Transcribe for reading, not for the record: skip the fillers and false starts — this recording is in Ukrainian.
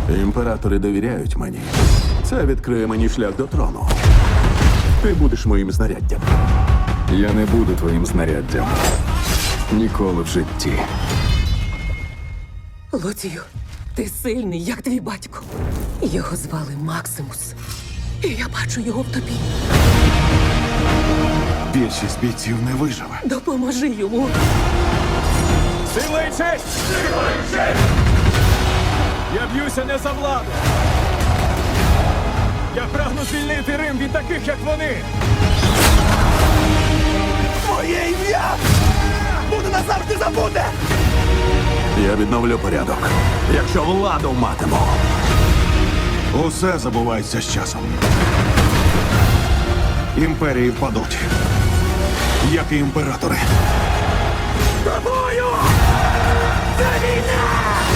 Імператори довіряють мені. Це відкриє мені шлях до трону. Ти будеш моїм знаряддям. Я не буду твоїм знаряддям. Ніколи в житті. Лоцію, ти сильний, як твій батько. Його звали Максимус. І я бачу його в тобі. Більшість бійців не виживе. Допоможи йому. Сила і честь! Я б'юся не за владу. Я прагну звільнити Рим від таких, як вони. Моє ім'я буде назавжди забуде! Я відновлю порядок, якщо владу матиму. Усе забувається з часом. Імперії впадуть, як і імператори. Тобою! Це війна!